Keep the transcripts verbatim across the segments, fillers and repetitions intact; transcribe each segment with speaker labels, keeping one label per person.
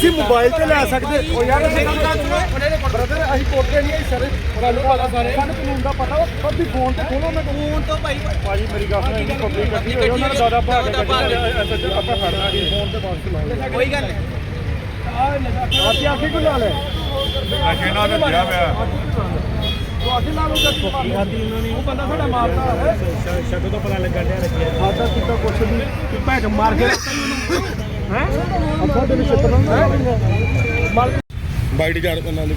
Speaker 1: ਤੁਸੀਂ ਮੋਬਾਈਲ ਤੇ ਲੈ ਸਕਦੇ ਹੋ ਯਾਰ। ਬ੍ਰਦਰ ਅਸੀਂ ਕੋਟੇ ਨਹੀਂ ਸਰ, ਗੱਲ ਪਤਾ ਸਾਰੇ ਸਾਨੂੰ ਕਾਨੂੰਨ ਦਾ ਪਤਾ ਵਾ। ਪਰ ਤੁਸੀਂ ਫੋਨ ਤੇ ਖੋਲੋ ਨਾ ਫੋਨ ਤੋਂ ਭਾਈ ਭਾਜੀ ਮੇਰੀ ਗੱਲ ਸੁਣੋ, ਇੰਨੀ ਪਬਲਿਕ ਇਕੱਠੀ ਹੋਈ ਉਹਨਾਂ ਨੇ ਦਾਦਾ ਭਾਗ ਕੇ ਐਸਐਚਓ ਆਪਾਂ ਖੜਨਾ ਜੀ ਫੋਨ ਤੇ ਬਾਤ ਚਲਾਓ ਕੋਈ ਗੱਲ ਨਹੀਂ। ਆਹ ਆਖੇ ਕੋ ਲਾ ਲੈ ਨਸ਼ੇ ਨਾਲ ਰੱਜਿਆ ਪਿਆ ਉਹ ਅਸੀਂ ਲਾ ਲਓ ਜੱਟ ਪਾਰਟੀ ਖਾਦੀ ਉਹਨਾਂ ਨੇ। ਉਹ ਬੰਦਾ ਸਾਡਾ ਮਾਰਦਾ ਹੈ ਸ਼ਕਲ ਤੋਂ ਪਤਾ ਲੱਗਣ ਡਿਆ ਰੱਜਿਆ ਖਾਦਾ ਕੀਤਾ ਕੁਛ ਨਹੀਂ ਭੈਣ ਮਾਰ ਕੇ ਹੈ ਆਪਾਂ ਦੇ ਵਿੱਚ ਤਰ੍ਹਾਂ ਬਾਈਟ ਜਾੜ ਨਾਲ।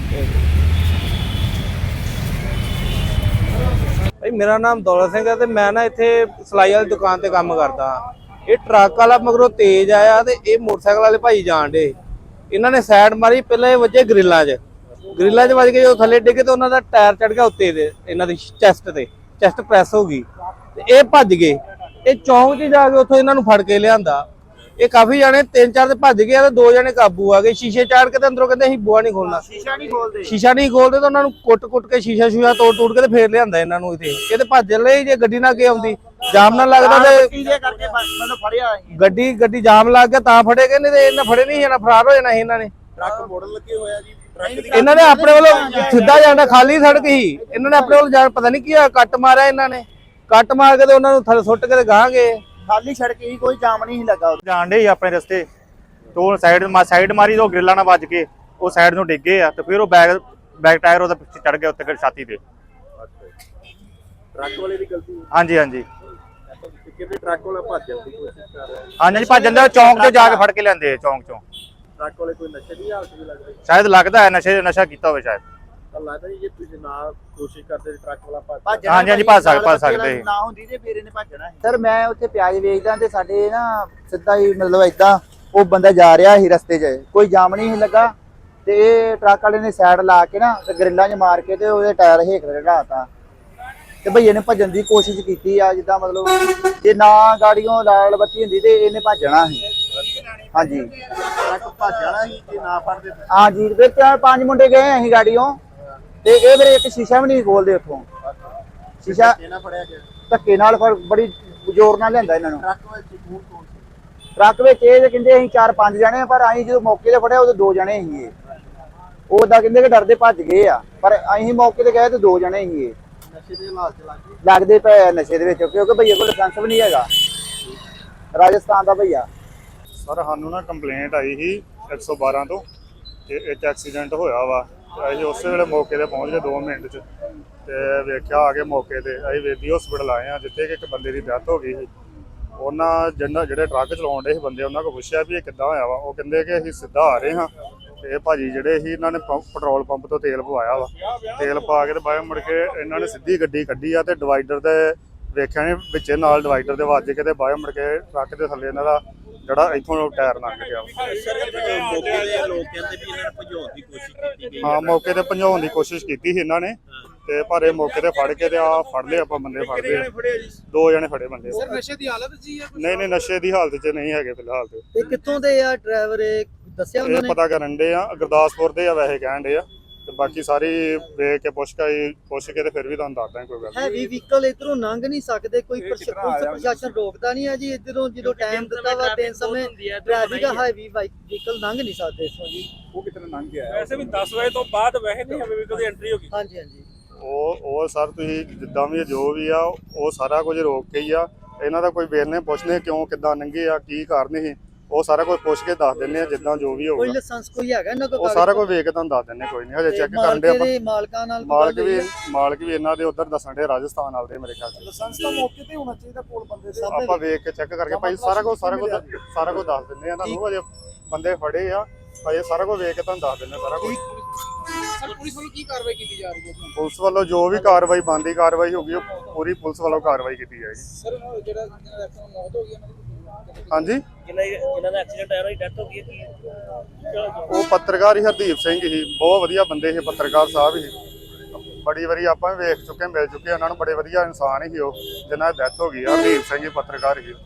Speaker 2: ਭਾਈ ਮੇਰਾ ਨਾਮ ਦੌਲਤ ਸਿੰਘ ਹੈ ਤੇ ਮੈਂ ਨਾ ਇੱਥੇ ਸਲਾਈ ਵਾਲੀ ਦੁਕਾਨ ਤੇ ਕੰਮ ਕਰਦਾ। ਇਹ ਟਰੱਕ ਵਾਲਾ ਮਗਰੋਂ ਤੇਜ਼ ਆਇਆ ਤੇ ਇਹ ਮੋਟਰਸਾਈਕਲ ਵਾਲੇ ਭਾਈ ਜਾਣ ਡੇ। ਇਹਨਾਂ ਨੇ ਸਾਈਡ ਮਾਰੀ, ਪਹਿਲਾਂ ਇਹ ਵੱਜੇ ਗ੍ਰਿਲਾਂ 'ਚ ਗ੍ਰਿਲਾਂ 'ਚ ਵੱਜ ਕੇ ਜਦੋਂ ਥੱਲੇ ਡਿੱਗੇ ਤੇ ਉਹਨਾਂ ਦਾ ਟਾਇਰ ਚੜ ਗਿਆ ਉੱਤੇ ਦੇ ਇਹਨਾਂ ਦੀ ਚੈਸਟ ਤੇ, ਚੈਸਟ ਪ੍ਰੈਸ ਹੋ ਗਈ ਤੇ ਇਹ ਭੱਜ ਗਏ। ਇਹ ਚੌਂਕ 'ਚ ਜਾ ਕੇ ਉੱਥੋਂ ਇਹਨਾਂ ਨੂੰ ਫੜ ਕੇ ਲਿਆਂਦਾ। ਇਹ ਕਾਫੀ ਜਾਣੇ ਤਿੰਨ ਚਾਰ ਤੇ ਭੱਜ ਗਏ ਤੇ ਦੋ ਜਣੇ ਕਾਬੂ ਆ ਗਏ। ਸ਼ੀਸ਼ੇ ਚਾੜ ਕੇ ਤੇ ਅੰਦਰੋਂ ਕਹਿੰਦੇ ਅਸੀਂ ਬੂਹਾ ਨਹੀਂ ਖੋਲਣਾ, ਸ਼ੀਸ਼ਾ ਨਹੀਂ ਖੋਲਦੇ ਸ਼ੀਸ਼ਾ ਨਹੀਂ ਖੋਲਦੇ ਤਾਂ ਉਹਨਾਂ ਨੂੰ ਕੁੱਟ-ਕੁੱਟ ਕੇ ਸ਼ੀਸ਼ਾ ਸ਼ੂਸ਼ਾ ਤੋੜ ਤੋੜ ਕੇ ਤੇ ਫੇਰ ਲਿਆਂਦਾ ਇਹਨਾਂ ਨੂੰ। ਇੱਥੇ ਇਹ ਤੇ ਭੱਜ ਲਈ, ਜੇ ਗੱਡੀ ਨਾ ਅੱਗੇ ਆਉਂਦੀ ਜਾਮ ਨਾ ਲੱਗਦਾ ਤੇ ਗੱਡੀ ਗੱਡੀ ਜਾਮ ਲੱਗ ਗਿਆ ਤਾਂ ਫੜੇ ਗਏ, ਨਹੀਂ ਤੇ ਇਹਨਾਂ ਫੜੇ ਨਹੀਂ ਜਾਣਾ, ਫਰਾਰ ਹੋ ਜਾਣਾ ਸੀ ਇਹਨਾਂ ਨੇ।
Speaker 1: ਟਰੱਕ ਮੋੜਨ ਲੱਗੇ ਹੋਇਆ ਜੀ,
Speaker 2: ਇਹਨਾਂ ਨੇ ਆਪਣੇ ਵੱਲੋਂ ਸਿੱਧਾ ਜਾਣਾ, ਖਾਲੀ ਸੜਕ ਸੀ, ਇਹਨਾਂ ਨੇ ਆਪਣੇ ਵੱਲੋਂ ਜਾਣ ਪਤਾ ਨਹੀਂ ਕੀ ਹੋਇਆ, ਕੱਟ ਮਾਰਿਆ ਇਹਨਾਂ ਨੇ। ਕੱਟ ਮਾਰ ਕੇ ਤੇ ਉਹਨਾਂ ਨੂੰ ਥੱਲੇ ਸੁੱਟ ਕੇ ਤੇ ਗਾਹ ਗਏ।
Speaker 1: ਖਾਲੀ ਸੜਕ ਹੀ, ਕੋਈ ਜਾਮ ਨਹੀਂ ਲੱਗਾ।
Speaker 3: ਜਾਣ ਡੇ ਆਪਣੇ ਰਸਤੇ ਤੋਂ ਸਾਈਡ ਸਾਈਡ ਮਾਰੀ ਤੋਂ ਗ੍ਰਿਲਾਂ ਨਾਲ ਵੱਜ ਕੇ ਉਹ ਸਾਈਡ ਨੂੰ ਡਿੱਗੇ ਆ ਤੇ ਫਿਰ ਉਹ ਬੈਕ ਬੈਕ ਟਾਇਰ ਉਹਦਾ ਪਿੱਛੇ ਚੜ ਗਿਆ ਉੱਤੇ ਛਾਤੀ ਤੇ।
Speaker 1: ਟਰੱਕ ਵਾਲੇ ਦੀ ਗਲਤੀ?
Speaker 3: ਹਾਂਜੀ ਹਾਂਜੀ
Speaker 1: ਕਿਉਂਕਿ ਟਰੱਕ ਵਾਲਾ ਭੱਜਣ ਦੀ ਕੋਸ਼ਿਸ਼ ਕਰ ਰਿਹਾ।
Speaker 3: ਹਾਂਜੀ ਭੱਜ ਜਾਂਦੇ, ਚੌਂਕ ਤੋਂ ਜਾ ਕੇ ਫੜ ਕੇ ਲੈਂਦੇ ਚੌਂਕ ਚੋਂ।
Speaker 1: ਟਰੱਕ ਵਾਲੇ ਕੋਈ ਨਸ਼ੇ ਦੀ ਹਾਲਤ ਵੀ ਲੱਗਦੀ?
Speaker 3: ਸ਼ਾਇਦ ਲੱਗਦਾ ਹੈ ਨਸ਼ੇ ਨਸ਼ਾ ਕੀਤਾ ਹੋਵੇ ਸ਼ਾਇਦ।
Speaker 1: ਤਾਂ ਲੱਗਦਾ ਜੀ ਜੇ ਤੁਸੀਂ ਨਾ ਕੋਸ਼ਿਸ਼ ਕਰਦੇ ਟਰੱਕ ਵਾਲਾ ਭੱਜ
Speaker 3: ਹਾਂਜੀ ਹਾਂਜੀ ਭੱਜ ਸਕਦੇ ਭੱਜ ਸਕਦੇ
Speaker 1: ਨਾ ਹੁੰਦੀ ਤੇ ਫਿਰ ਇਹਨੇ ਭੱਜਣਾ ਸੀ।
Speaker 4: ਸਰ ਮੈਂ ਉੱਥੇ ਪਿਆਜ਼ ਵੇਚਦਾ ਤੇ ਸਾਡੇ ਨਾ ਸਿੱਧਾ ਹੀ ਮਤਲਬ ਏਦਾਂ ਉਹ ਬੰਦਾ ਜਾ ਰਿਹਾ ਸੀ ਰਸਤੇ 'ਚ, ਕੋਈ ਜਾਮ ਨਹੀਂ ਸੀ ਲੱਗਾ ਤੇ ਇਹ ਟਰੱਕ ਵਾਲੇ ਨੇ ਸਾਈਡ ਲਾ ਕੇ ਨਾ ਤੇ ਗਰਿੱਲਾਂ 'ਚ ਮਾਰ ਕੇ ਤੇ ਉਹਦੇ ਟਾਇਰ ਹੇਠ ਲਗਾਤਾ ਤੇ ਭਈਏ ਨੇ ਭੱਜਣ ਦੀ ਕੋਸ਼ਿਸ਼ ਕੀਤੀ ਆ। ਜਿੱਦਾਂ ਮਤਲਬ ਜੇ ਨਾ ਗਾੜੀਆਂ ਲਾਲ ਬੱਤੀ ਹੁੰਦੀ ਤੇ ਇਹਨੇ ਭੱਜਣਾ ਸੀ। ਹਾਂਜੀ
Speaker 1: ਟਰੱਕ ਭੱਜ ਜਾਣਾ ਸੀ ਜੇ ਨਾ ਫੜਦੇ।
Speaker 4: ਹਾਂਜੀ ਫਿਰ ਚਾਰ ਪੰਜ ਮੁੰਡੇ ਗਏ ਅਸੀਂ ਗਾੜੀਆਂ ਤੇ ਇਹ ਮੇਰੇ ਇੱਕ ਸ਼ੀਸ਼ਾ ਵੀ ਨਹੀਂ ਖੋਲਦੇ ਉੱਥੋਂ। ਸ਼ੀਸ਼ਾ
Speaker 1: ਇਹਨਾਂ ਫੜਿਆ ਗਿਆ
Speaker 4: ਧੱਕੇ ਨਾਲ ਫਿਰ ਬੜੀ ਜ਼ੋਰ ਨਾਲ ਲਿਆਂਦਾ ਇਹਨਾਂ ਨੂੰ।
Speaker 1: ਟਰੱਕ ਵਿੱਚ ਕੌਣ ਕੌਣ ਸੀ?
Speaker 4: ਟਰੱਕ ਵਿੱਚ ਇਹ ਕਹਿੰਦੇ ਅਸੀਂ ਚਾਰ ਪੰਜ ਜਣੇ, ਪਰ ਅਸੀਂ ਜਦੋਂ ਮੌਕੇ ਤੇ ਫੜਿਆ ਉਦੋਂ ਦੋ ਜਣੇ ਸੀ। ਇਹ ਉਹ ਤਾਂ ਕਹਿੰਦੇ ਕਿ ਡਰਦੇ ਭੱਜ ਗਏ ਆ, ਪਰ ਅਸੀਂ ਮੌਕੇ ਤੇ ਗਏ ਤੇ ਦੋ ਜਣੇ ਸੀ। ਇਹ
Speaker 1: ਨਸ਼ੇ ਦੇ ਹਾਲਾਤ ਚ ਲੱਗ ਗਏ
Speaker 4: ਲੱਗਦੇ ਪਏ ਆ ਨਸ਼ੇ ਦੇ ਵਿੱਚ, ਕਿਉਂਕਿ ਭਈਏ ਕੋਲ ਲਾਇਸੈਂਸ ਵੀ ਨਹੀਂ ਹੈਗਾ, ਰਾਜਸਥਾਨ ਦਾ ਭਈਆ।
Speaker 3: ਸਰ ਸਾਨੂੰ ਨਾ ਕੰਪਲੇਂਟ ਆਈ ਸੀ ਇੱਕ ਸੌ ਬਾਰਾਂ ਤੋਂ ਕਿ ਇੱਕ ਐਕਸੀਡੈਂਟ ਹੋਇਆ ਵਾ। ਅਸੀਂ ਉਸੇ ਵੇਲੇ ਮੌਕੇ ਤੇ ਪਹੁੰਚ ਗਏ ਦੋ ਮਿੰਟ 'ਚ ਤੇ ਵੇਖਿਆ ਆ ਕੇ ਮੌਕੇ ਤੇ ਅਸੀਂ ਵੇਦੀ ਹਸਪੀਟਲ ਆਏ ਆ ਜਿੱਥੇ ਕਿ ਇੱਕ ਬੰਦੇ ਦੀ ਡੈਥ ਹੋ ਗਈ ਸੀ। ਉਹਨਾਂ ਜਿਹਨਾਂ ਜਿਹੜੇ ਟਰੱਕ ਚਲਾਉਣ ਦੇ ਸੀ ਬੰਦੇ, ਉਹਨਾਂ ਕੋਲ ਪੁੱਛਿਆ ਵੀ ਇਹ ਕਿੱਦਾਂ ਹੋਇਆ ਵਾ। ਉਹ ਕਹਿੰਦੇ ਕਿ ਅਸੀਂ ਸਿੱਧਾ ਆ ਰਹੇ ਹਾਂ ਤੇ ਇਹ ਭਾਜੀ ਜਿਹੜੇ ਸੀ ਇਹਨਾਂ ਨੇ ਪੈਟਰੋਲ ਪੰਪ ਤੋਂ ਤੇਲ ਪਵਾਇਆ ਵਾ। ਤੇਲ ਪਾ ਕੇ ਤੇ ਬਾਅਦ ਮੁੜ ਕੇ ਇਹਨਾਂ ਨੇ ਸਿੱਧੀ ਗੱਡੀ ਕੱਢੀ ਆ ਤੇ ਡਿਵਾਈਡਰ ਦੇ ਵੇਖਿਆ ਨੇ ਵਿੱਚੇ ਨਾਲ ਡਿਵਾਈਡਰ ਦੇ ਵੱਜ ਕੇ ਤੇ ਬਾਅਦ ਮੁੜ ਕੇ ਟਰੱਕ ਦੇ ਥੱਲੇ ਇਹਨਾਂ ਦਾ ਜਿਹੜਾ ਇੱਥੋਂ ਟਾਇਰ ਲੰਘ ਗਿਆ।
Speaker 1: ਮੌਕੇ ਦੇ ਲੋਕ ਕਹਿੰਦੇ ਵੀ ਇਹਨਾਂ ਨੇ ਭਜਾਉਣ ਦੀ ਕੋਸ਼ਿਸ਼ ਕੀਤੀ ਗਈ।
Speaker 3: ਹਾਂ ਮੌਕੇ ਤੇ ਭਜਾਉਣ ਦੀ ਕੋਸ਼ਿਸ਼ ਕੀਤੀ ਸੀ ਇਹਨਾਂ ਨੇ ਤੇ ਪਰ ਇਹ ਮੌਕੇ ਤੇ ਫੜ ਕੇ ਤੇ ਆ ਫੜ ਲਏ ਆਪਾਂ ਬੰਦੇ ਫੜ ਲਏ। ਦੋ ਜਣੇ ਫੜੇ ਬੰਦੇ।
Speaker 2: ਸਰ ਨਸ਼ੇ ਦੀ ਹਾਲਤ ਸੀ?
Speaker 3: ਨਹੀਂ ਨਹੀਂ ਨਸ਼ੇ ਦੀ ਹਾਲਤ 'ਚ ਨਹੀਂ ਹੈਗੇ ਫਿਲਹਾਲ ਤੇ।
Speaker 4: ਇਹ ਕਿੱਥੋਂ ਦੇ ਆ ਡਰਾਈਵਰ, ਇਹ ਦੱਸਿਆ ਉਹਨਾਂ
Speaker 3: ਇਹ
Speaker 4: ਨੇ?
Speaker 3: ਪਤਾ ਕਰਨ ਦੇ ਆ, ਗੁਰਦਾਸਪੁਰ ਦੇ ਆ ਵੈਸੇ ਕਹਿਣ ਦੇ ਆ ਤੇ ਬਾਕੀ ਸਾਰੀ ਵੇਖ ਕੇ ਪੁੱਛ ਕੇ ਪੁੱਛ ਕੇ ਤੇ ਫਿਰ ਵੀ ਤੁਹਾਨੂੰ ਦੱਸਦਾ ਕੋਈ ਗੱਲ।
Speaker 4: ਹੈਵੀ ਵਹੀਕਲ ਇਧਰੋਂ ਲੰਘ ਨਹੀਂ ਸਕਦੇ, ਕੋਈ ਪੁਲਿਸ ਪ੍ਰਸ਼ਾਸਨ ਰੋਕਦਾ ਨਹੀਂ ਹੈ ਜੀ। ਇਧਰੋਂ ਜਦੋਂ ਟਾਈਮ ਦਿੱਤਾ ਵਾ ਦਿਨ ਸਮੇਂ ਟ੍ਰੈਫਿਕ ਹੈਵੀ ਵਹੀਕਲ ਲੰਘ ਨਹੀਂ ਸਕਦੇ ਇਥੋਂ ਜੀ।
Speaker 1: ਉਹ ਕਿਤਨੇ ਲੰਘ ਗਿਆ?
Speaker 5: ਵੈਸੇ ਵੀ ਦਸ ਵਜੇ ਤੋਂ ਬਾਅਦ ਵੈਸੇ ਨਹੀਂ ਹੈਵੀ ਵਹੀਕਲ ਦੀ ਐਂਟਰੀ ਹੋਗੀ।
Speaker 4: ਹਾਂਜੀ ਹਾਂਜੀ
Speaker 3: ਉਹ ਉਹ ਸਰ ਤੁਸੀਂ ਜਿੱਦਾਂ ਵੀ ਜੋ ਵੀ ਆ ਉਹ ਸਾਰਾ ਕੁਝ ਰੋਕ ਕੇ ਹੀ ਆ। ਇਹਨਾਂ ਦਾ ਕੋਈ ਵੇਰਨੇ ਪੁੱਛਨੇ ਕਿਉਂ ਕਿੱਦਾਂ ਲੰਘੇ ਆ, ਕੀ ਕਾਰਨ ਸੀ, ਉਹ ਸਾਰਾ ਕੁਝ ਪੁੱਛ ਕੇ ਦੱਸ ਦਿੰਦੇ ਆ ਜਿੱਦਾਂ ਜੋ ਵੀ
Speaker 4: ਕੋਈ
Speaker 3: ਹੋਊਗਾ।
Speaker 4: ਲਾਇਸੈਂਸ ਕੋਈ ਹੈਗਾ ਇਹਨਾਂ ਕੋਲ?
Speaker 3: ਉਹ ਸਾਰਾ ਕੁਝ ਵੇਖ ਕੇ ਤੁਹਾਨੂੰ ਦੱਸ ਦਿੰਦੇ ਕੋਈ ਨਹੀਂ, ਹਜੇ ਚੈੱਕ ਕਰਨ ਦੇ ਆਪਾਂ।
Speaker 4: ਮਾਲਕਾਂ ਨਾਲ
Speaker 3: ਮਾਲਕ ਵੀ ਮਾਲਕ ਵੀ ਇਹਨਾਂ ਦੇ ਉਧਰ ਦੱਸਣ ਦੇ ਰਾਜਸਥਾਨ ਵਾਲੇ ਮੇਰੇ ਖਿਆਲ ਚ।
Speaker 1: ਲਾਇਸੈਂਸ ਤਾਂ ਮੌਕੇ ਤੇ ਹੋਣਾ ਚਾਹੀਦਾ ਕੋਲ ਬੰਦੇ ਦੇ।
Speaker 3: ਆਪਾਂ ਵੇਖ ਕੇ ਚੈੱਕ ਕਰਕੇ ਭਾਈ ਸਾਰਾ ਕੁਝ ਸਾਰਾ ਕੁਝ ਸਾਰਾ ਕੁਝ ਦੱਸ ਦਿੰਦੇ ਆ ਤੁਹਾਨੂੰ। ਹਜੇ ਬੰਦੇ ਫੜੇ ਆ, ਹਜੇ ਸਾਰਾ ਕੁਝ ਵੇਖ ਕੇ ਤੁਹਾਨੂੰ ਦੱਸ ਦਿੰਦੇ ਸਾਰਾ ਕੁਝ।
Speaker 2: ਸਰ ਪੁਲਿਸ ਵੱਲੋਂ ਕੀ ਕਾਰਵਾਈ ਕੀਤੀ ਜਾ ਰਹੀ ਹੈ?
Speaker 3: ਪੁਲਿਸ ਵੱਲੋਂ ਜੋ ਵੀ ਕਾਰਵਾਈ ਬਣਦੀ ਕਾਰਵਾਈ ਹੋਗੀ ਉਹ ਪੂਰੀ ਪੁਲਿਸ ਵੱਲੋਂ ਕਾਰਵਾਈ ਕੀਤੀ ਜਾਏਗੀ।
Speaker 2: ਸਰ ਜਿਹੜਾ ਮੌਤ ਹੋ ਗਈ ਉਹਨਾਂ ਦੀ?
Speaker 3: ਹਾਂਜੀ
Speaker 5: ਜਿਨ੍ਹਾਂ ਜਿਨ੍ਹਾਂ ਦਾ ਐਕਸੀਡੈਂਟ ਆਇਆ ਉਹਦੀ ਡੈਥ ਹੋ ਗਈ ਹੈ।
Speaker 3: ਉਹ ਪੱਤਰਕਾਰ ਹੀ ਹਰਦੀਪ ਸਿੰਘ ਸੀ, ਬਹੁਤ ਵਧੀਆ ਬੰਦੇ ਸੀ, ਪੱਤਰਕਾਰ ਸਾਹਿਬ ਸੀ। ਬੜੀ ਵਾਰੀ ਆਪਾਂ ਵੇਖ ਚੁੱਕੇ ਮਿਲ ਚੁੱਕੇ ਉਹਨਾਂ ਨੂੰ, ਬੜੇ ਵਧੀਆ ਇਨਸਾਨ ਸੀ ਉਹ ਜਿਨ੍ਹਾਂ ਦੀ ਡੈਥ ਹੋ ਗਈ। ਹਰਦੀਪ ਸਿੰਘ ਪੱਤਰਕਾਰ ਸੀ।